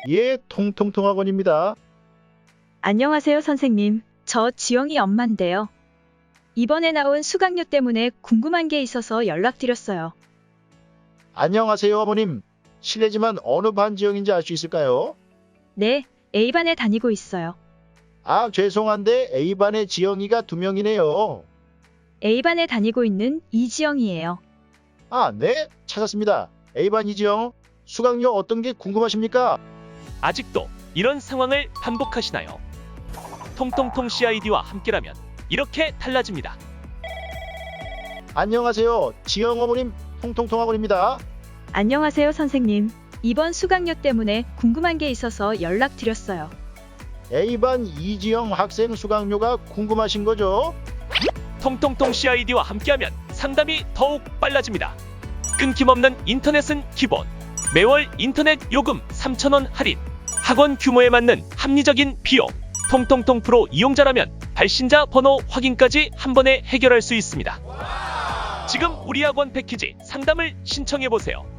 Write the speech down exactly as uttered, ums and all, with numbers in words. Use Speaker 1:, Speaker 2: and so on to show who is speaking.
Speaker 1: 예, 통통통학원입니다.
Speaker 2: 안녕하세요, 선생님. 저 지영이 엄마인데요. 이번에 나온 수강료 때문에 궁금한 게 있어서 연락드렸어요.
Speaker 1: 안녕하세요, 어머님. 실례지만 어느 반 지형인지 알 수 있을까요?
Speaker 2: 네, A반에 다니고 있어요.
Speaker 1: 아, 죄송한데 A반에 지영이가 두 명이네요.
Speaker 2: A반에 다니고 있는 이지영이에요.
Speaker 1: 아, 네, 찾았습니다. A반 이지영, 수강료 어떤 게 궁금하십니까?
Speaker 3: 아직도 이런 상황을 반복하시나요? 통통통 씨아이디와 함께라면 이렇게 달라집니다.
Speaker 1: 안녕하세요, 지영 어머님, 통통통학원입니다.
Speaker 2: 안녕하세요, 선생님. 이번 수강료 때문에 궁금한 게 있어서 연락드렸어요.
Speaker 1: A반 이지영 학생 수강료가 궁금하신 거죠?
Speaker 3: 통통통 씨아이디와 함께하면 상담이 더욱 빨라집니다. 끊김없는 인터넷은 기본. 매월 인터넷 요금 삼천 원 할인. 학원 규모에 맞는 합리적인 비용. 통통통 프로 이용자라면 발신자 번호 확인까지 한 번에 해결할 수 있습니다. 지금 우리 학원 패키지 상담을 신청해 보세요.